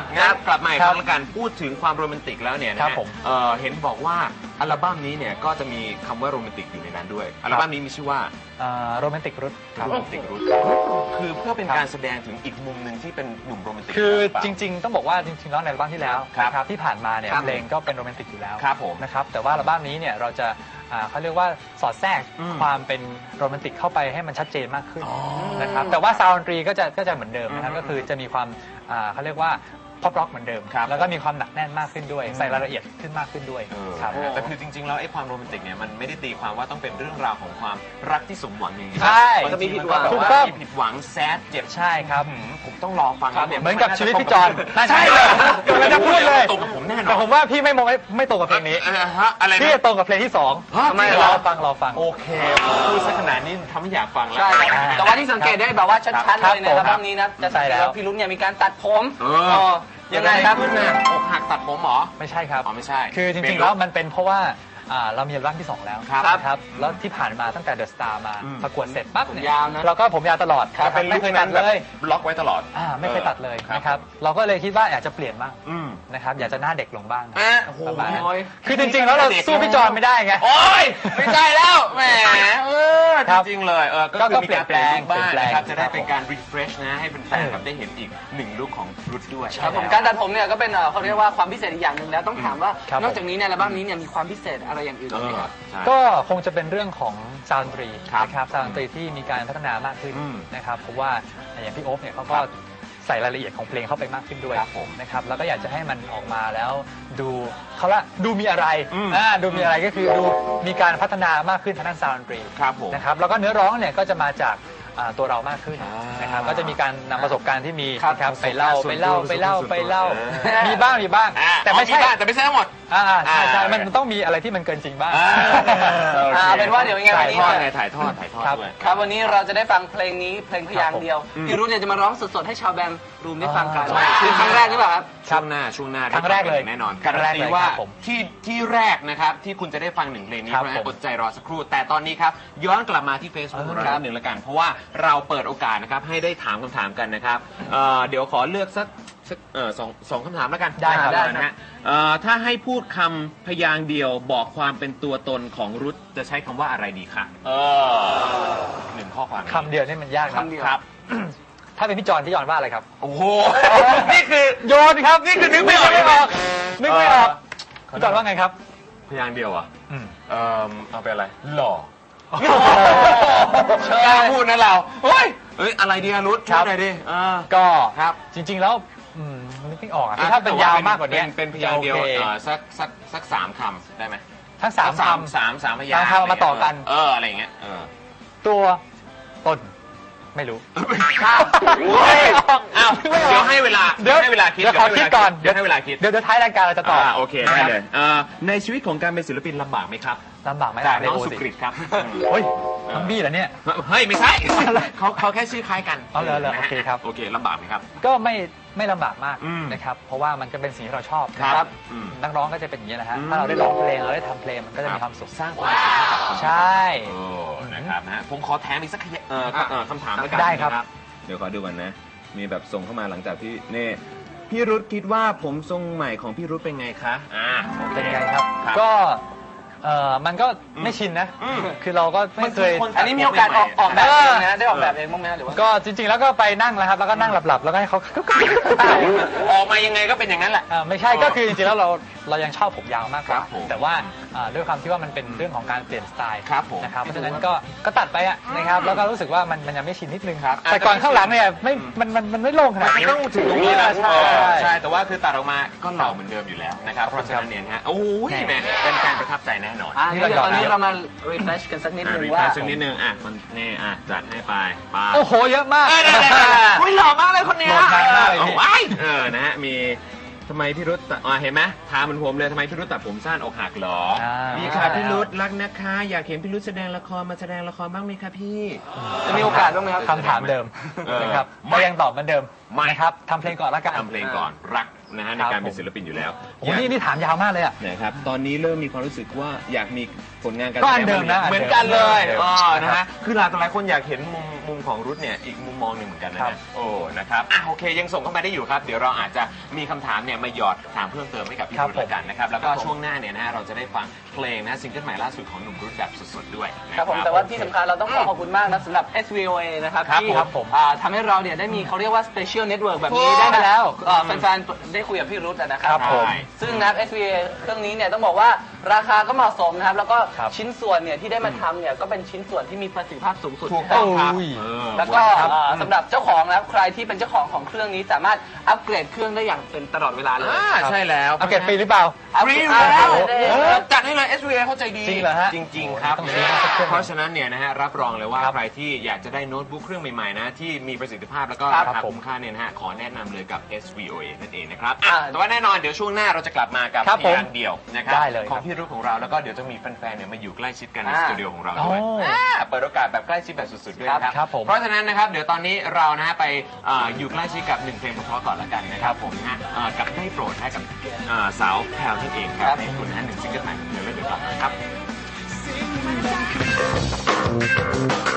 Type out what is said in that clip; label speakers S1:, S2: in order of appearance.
S1: งั้นกลับมาอีกครั้งละกันพูดถึงความโรแมนติกแล้วเนี่ยนะ
S2: ครั
S1: ฮะ
S2: บผม
S1: เห็นบอกว่าอัลบั้มนี้เนี่ยก็จะมีคำว่าโรแมนติกอยู่ในนั้นด้วยอัลบั้มนี้มีชื่อว่า
S2: โรแมนติกรุทครับ
S1: โรแมนติกรูทคือเพื่อเป็นการแสดงถึงอีกมุมหนึ่งที่เป็นหนุ่มโรแมนติก
S2: คือ
S1: หเปล่า
S2: จริงๆต้องบอกว่าจริงๆแล้วในอัลบั้มที่แล้ว
S1: ครับ
S2: นะครับที่ผ่านมาเนี่ย
S1: ครับ
S2: เพลงก็เป็นโรแมนติกอยู่แล้ว
S1: ครับผม
S2: นะครับแต่ว่าอัลบั้มนี้เนี่ยเราจะเขาเรียกว่าสอดแทรก
S1: อืม
S2: ความเป็นโรแมนติกเข้าไปให้มันชัดเจนมากขึ้น
S1: อ๋อ
S2: นะครับแต่ว่าซาวด์ดนตรีก็จะเหมือนเดิมนะครับ
S1: อืม
S2: ก็คือจะมีความเขาเรียกว่าพอปร็อกเหมือนเดิม
S1: ครับ
S2: แล้วก็มีความหนักแน่นมากขึ้นด้วยใส่รายละเอียดขึ้นมากขึ้นด้วยครับ
S1: แต่คือจริงๆแล้วไอ้ความโรแมนติกเนี่ยมันไม่ได้ตีความว่าต้องเป็นเรื่องราวของความรักที่สมหวังอย่างนี้
S2: ใช่
S1: มันจะมีผิดหวัง
S2: ถูกต้อง
S1: มีผิดหวังแซดเจ็บ
S2: ใช่ครับ
S1: ผมต้องรอฟังแล้วเนี่ย
S2: เหมือนกับชีวิตพี่จอน
S1: ใช่เลย
S2: กำลังจะพูดเลย
S1: ตรงกับผมแน่นอน
S2: แต่ผมว่าพี่ไม่ตรงกับเพลงนี้
S1: ฮะอะไรนะ
S2: พี่จะตรงกับเพลงที่สอง
S1: ฮะ
S2: ทำไม
S1: จริงเหร
S2: ร
S1: อ
S2: อฟัง
S1: โอเคพูดซะขนาดนี้ทำให้อยากฟังแล้ว
S3: ใช่ครับแต่ว่าที่สังเกตได้แบบว่าชัดๆเลยในอัลบั้มนี้นะจะสังเกต
S2: ใช่แล้ว
S3: ว่าพี่รุ่นเนี่ยมีการตัดผม
S1: เออ
S3: เออยังไงครับ
S1: ขึ้นน่ะอกหักตัดผมเหรอ
S2: ไม่ใช่ครับ
S1: อ๋อไม่ใช่
S2: คือจริงๆแล้วมันเป็นเพราะว่าเรามีอัลบั้มที่ 2 แล้ว
S1: ครับ
S2: นะครับแล้วที่ผ่านมาตั้งแต่เดอะสตาร์มา
S1: อืม
S2: ประกวดเสร็จปั๊บเนี่ย
S3: ยาวนะ
S2: เราก็ผมยาวตลอด
S1: จะเป็น
S2: ไม่เคยตัดเลย
S1: บล็อกไว้ตลอด
S2: ไม่เคยตัดเลย
S1: ครับ
S2: นะครับเราก็เลยคิดว่าอยากจะเปลี่ยนบ้าง
S1: อืม
S2: นะครับอยากจะหน้าเด็กลงบ้าง
S1: โอ้โห
S2: ประมาณนั้น
S3: โอ้ย
S2: คือจริงๆแล้วเราสู้พี่จอนไม่ได้ไง
S1: โอ้ยไม่ใช่แล้วแหมจ
S2: ครับ
S1: ริงๆเลยก็
S2: ก็
S1: คือมีการเปลี่ยนลุคบ้าง
S2: เปลี่ยนแปลง
S1: นะครับจะได้
S2: ครับ
S1: เป็นการ refresh นะให้เป็นแฟนๆแบบได้เห็นอีกหนึ่งลุคของรุดด้วย
S3: ครับผมการตัดผมเนี่ยก็เป็นเขาเรียกว่าความพิเศษอีกอย่างหนึ่งแล้วต้องถามว่า
S2: ครับ
S3: นอกจากนี้ในอัลบั้มนี้เนี่ยมีความพิเศษอะไรอย่างอื่น
S1: เอ
S3: ไหม
S1: อ
S3: ครับ
S1: ใช่
S2: ก็คงจะเป็นเรื่องของซาวด์ดนตรี
S1: ครับ
S2: นะครับซาวด์ดนตรีที่มีการพัฒนามากขึ้น
S1: อืม
S2: นะครับเพราะว่าอย่างพี่โอ๊คเนี่ยเขาก็
S1: ครับ
S2: ใส่รายละเอียดของเพลงเข้าไปมากขึ้นด้วย
S1: ครับผม
S2: นะครับแล้วก็อยากจะให้มันออกมาแล้วดูมีอะไร
S1: อืม
S2: ดูมีอะไรก็คือดูมีการพัฒนามากขึ้นทางด้านซาวด์ดนตรี
S1: ครับผม
S2: นะครับแล้วก็เนื้อร้องเนี่ยก็จะมาจากตัวเรามากขึ้น
S1: อ่าน
S2: นะครับก็จะมีการนำประสบการณ์ที่มี
S3: ครับ
S2: นะครับไปเล่า
S1: ส่วนตัว
S2: ไปเล่า
S1: เออ
S2: มีบ้างแต่ไม่ใช่
S1: แต่ไม่ใช่ทั้งหมด
S2: ใช่
S1: อ่ามั
S2: มันต้องมีอะไรที่มันเกินจริงบ้าง
S3: เป็นว่าเดี๋ยวยังไงวันนี้
S1: ถ่ายทอด
S2: ครับ
S1: ด้วย
S3: ครับวันนี้เราจะได้ฟังเพลงนี้เพลงพยางค์เดียว
S1: อืม
S3: พี่รุ่นเนี่ยจะมาร้องสดๆให้ชาวแบมรูมได้ฟังกัน
S2: ใช่
S3: คือครั้งแรกหรือเปล่าครับ
S1: ช่วงหน้า
S2: ครั้งแรกเลย
S1: แน่นอน
S2: ครั้
S1: การั
S2: ง
S1: น
S2: แรก
S1: ตี
S2: เลย
S1: ว่า
S2: ครับผม
S1: ที่แรกนะครับที่คุณจะได้ฟังหนึ่งเพลงนี้
S2: ครับ
S1: เพราะฉะนั้น
S2: ผม
S1: อดใจรอสักครู่ แต่ตอนนี้ครับย้อนกลับมาที่ Facebook ของเราหนึ่งละกัน เพราะว่าเราเปิดโอกาสนะครับให้ได้ถามคำถามกันนะครับเดี๋ยวขอเลือกสักสองคำถามแล้วกัน
S2: ได้ครับ
S1: นะฮะถ้าให้พูดคำพยางค์เดียวบอกความเป็นตัวตนของรุทจะใช้คำว่าอะไรดีคะหนึ่งข้อความ
S2: คำเดียวนี่มันยากนะ
S3: คำเดียว
S1: ครับ
S2: ถ้าเป็นพี่จอนว่าอะไรครับ
S1: โอ้โหนี่คือ
S2: โยนครับนี่คือนึกไม่ออก นึกไม่ออก
S1: เออ
S2: พี่จอนว่าไงครับ
S1: พยางค์เดียวอ่ะ
S2: อืม
S1: เอาไปอะไร หล่อกล้าพูดนะเราเฮ้ยอะไรดีอะรุท
S2: ครั
S1: ช่ว
S2: บ
S1: ยหน่อยดิ
S2: ก็
S1: ครับ
S2: จริงๆแล้วนึกไม่ออกอะคือถ้าเป็นยาวมากกว่านี้
S1: เป็นพยางค์เดียว
S2: โอเค
S1: สักสามคำได้ไหม
S2: ทั้งสามค
S1: สามพยางค์
S2: สามคำมาต่อกัน
S1: อะไรอย่างเงี้ย
S2: ำตัวตนไม่รู้
S1: อ้าวเดี๋ยวให้เวลา
S2: เดี๋ยว
S1: ให้เวลาคิด
S2: เดี๋ยวขอคิดก่อน
S1: เดี๋ยวให้เวลาคิด
S2: เดี๋ยวท้ายรายการเราจะตอบ
S1: โอเคได้เลยในชีวิตของการเป็นศิลปินลำบากไหมครับ
S2: ลำบากไหม
S1: จาก
S2: ใน
S1: น้อง
S2: โอ
S1: สุ
S2: สิ
S1: กฤตครับ
S2: โอ้ยน้องบี้เหรอเนี่ย
S1: เฮ้ยไม่ใช่เขาแค่ชื่อคล้ายกัน
S2: เอาเหรอโอเคครับ
S1: โอเคลำบากไหมครับ
S2: ก็ไม่ลำบากมาก
S1: อืม
S2: นะครับ เพราะว่ามันก็เป็นสิ่งที่เราชอบ
S1: ครับ
S2: นะครับ
S1: อืม
S2: นักร้องก็จะเป็นอย่างนี้นะฮะ
S1: อืม
S2: ถ้าเราได้ร้องเพลงเราได้ทำเพลงมันก็จะมีความสุข
S1: สร้างความสุขให้กับคน
S2: ใช่
S1: โอ้นะครับนะผมขอแถมอีกสักคำถามแล้วกัน
S2: ได้ครับ
S1: นะเดี๋ยวขอดูก่อนนะ มีแบบส่งเข้ามาหลังจากที่นี่พี่รุธคิดว่าผมทรงใหม่ของพี่รุธเป็นไงคะ
S2: เป็นไงครับ
S1: ครับ
S2: ก็มันก็ไม่ชินนะ
S1: อืม
S2: คือเราก็ไม่เคย
S3: อันนี้มีโอกาสออกแบบเองนะได้ออกแบบเองบ้างไหมหรือว่า
S2: ก็จริงๆแล้วก็ไปนั่งแล้วครับ แล้วก็นั่งหลับๆ แล้วก็ให้เขา
S1: ออกมายังไงก็เป็นอย่างนั้นแหละ
S2: ไม่ใช่ก็คือจริงๆแล้วเรายังชอบผมยาวมากกว่า
S1: ครับผม
S2: แต่ว่าด้วยความที่ว่ามันเป็นเรื่องของการเปลี่ยนสไตล์
S1: ครับผม
S2: นะครับเพราะฉะนั้นก็ตัดไปอะนะครับแล้วก็รู้สึกว่ามันยังไม่ชินนิดนึง
S1: ครับ
S2: แต่ก่อนข้างหลังเนี่ยมันไม่โล่งขนาด
S1: มัน
S2: นี้
S1: ต้องถึงตรงนี้นะ
S2: ใช่
S1: ใช่แต่ว่าคือตัดออกมาก็หล่อเหมือนเดิมอยู่แล้วนะครับเพราะฉะนั้นเนี่ยนะฮะโอ้ยแม่เป็นการประทับใจแน่นอน
S3: เดี๋ยวตอนนี้เรามา refresh กันสักนิดนึง
S1: รี
S3: ว่า
S1: แฟชนิดนึงมันนี่จัดให้ไป
S2: โอ้โหเยอะมาก
S1: อุ้ยหล่อมากเลยคนเนี้ย
S2: โหลดนานมากเลยพี่
S1: นะฮะมีทำไมพี่รุธเห็นไหมถามเหมือนผมเลยทำไมพี่รุธตัดผมสั้นอกหักเหรอ
S2: มี
S1: มีค่ะพี่รุธรักนะคะ อยากเห็นพี่รุธแสดงละครมาแสดงละครบ้างไหมคะพี่
S3: จะมีโอกาสบ้างไหมครับ
S2: คำถามเดิมนะครับ
S1: ไม่
S2: ก็ยังตอบเหมือนเดิม
S1: ไม่
S2: นะครับทำเพลงก่อนละกัน
S1: ทำเพลงก่อนรักนะฮะในการเป็นศิลปินอยู่แล้ว
S2: โอ้นี่ถามยาวมากเลยอ่ะ
S1: นะครับตอนนี้เริ่มมีความรู้สึกว่าอยากมีผลงานการ
S2: ก็อันเดิมนะ
S1: เหมือนกันเลย
S2: อันเดิม
S1: นะฮะคือหลายคนอยากเห็นมุมของรุทเนี่ยอีกมุมมองหนึ่งเหมือนกันนะ
S2: ครั
S1: ฮะ
S2: บ
S1: โอ้นะครับโอเคยังส่งเข้ามาได้อยู่ครับเดี๋ยวเราอาจจะมีคำถามเนี่ยมาหยอดถามเพิ่มเติมให้กับพี่รุทแล้วกันนะครับแล้วก็ช่วงหน้าเนี่ยนะฮะเราจะได้ฟังเพลงนะซิงเกิลใหม่ล่าสุดของหนุ่มรุทแบบสดๆด้วยนะ
S3: ครับผมแต่ว่าที่สำคัญเราต้องขอบคุณมากนะสำหรับ SVOA นะครับ
S1: ครับ
S3: ที่
S2: ผม
S3: ทำให้เราเนี่ยได้มีเขาเรียกว่า Special Network แบบนี้ได้มาแล้วแฟนๆได้คุยกับพี่รุธนะครั
S2: ครับ บผม
S3: ซึ่งนะครับ SVOA เครื่องนี้เนี่ยต้องบอกว่าราคาก็เหมาะสมนะครับแล้วก็
S2: ครับ
S3: ชิ้นส่วนเนี่ยที่ได้มาทำเนี่ยก็เป็นชิ้นส่วนที่มีประสิทธิภาพสูงสุด
S1: ถูกต้องครับ
S2: โอ้ย
S3: แล้วก็สำหรับเจ้าของนะครับใครที่เป็นเจ้าของของเครื่องนี้สามารถอัปเกรดเครื่องได้อย่างเป็นตลอดเวลาเลย
S1: ใช่แล้ว
S2: เอาเก็บฟรีหรือเปล่า
S1: ฟรีอยู่แล้ว
S3: เออ
S1: จัดให้เลย SVA เข้าใจดี
S2: จริงเหรอฮะ
S1: จริงๆครับ
S2: ต้องซื้อสักเครื่อง
S1: เพราะฉะนั้นเนี่ยนะฮะรับรองเลยว่า
S2: ครับ
S1: ใครที่อยากจะได้โน้ตบุ๊กเครื่องใหม่ๆนะที่มีประสิทธิภาพแล้วก็
S3: ครั
S1: รา
S3: บ
S1: คา
S2: ผม
S1: คุ้มค่าเนี่ยนะฮะขอแนะนำเลยกับ SVOA นั่นเองนะครับ
S3: อ่า
S1: แต่ว่าแน่นอนเดี๋ยวช่วงหน้าเราจะกลับมากับ
S2: ครับ
S1: เพลงเดี่ยวนะครับ
S2: ได้เลย
S1: ของพี่รุ่ของเราแล้วก็เดี๋ยวจะมีแฟนๆเนี่ยมาอยู่ใกล้ชิดกันในสตูดิโอของเราด้วย
S2: โอ้
S1: เปิดโอกาสแบบใกล้ชิดแบบสุดๆด้วยนะครับ
S2: ครับผม
S1: เพราะฉะนั้นนะครับเดี๋ยวตอนนี้เรานะฮะไปอยู่ใกล้ชิดกับหนึ่งเพลงเพราะๆก่อนละกันนะครับผมนะฮะกับได้โปรดให้กับสาวแพลวนั่นเองครับในคุณนะฮะหนึ่งซิงเกิลใหม่ของเธอแล้วเดี๋ยวกลับมาครับ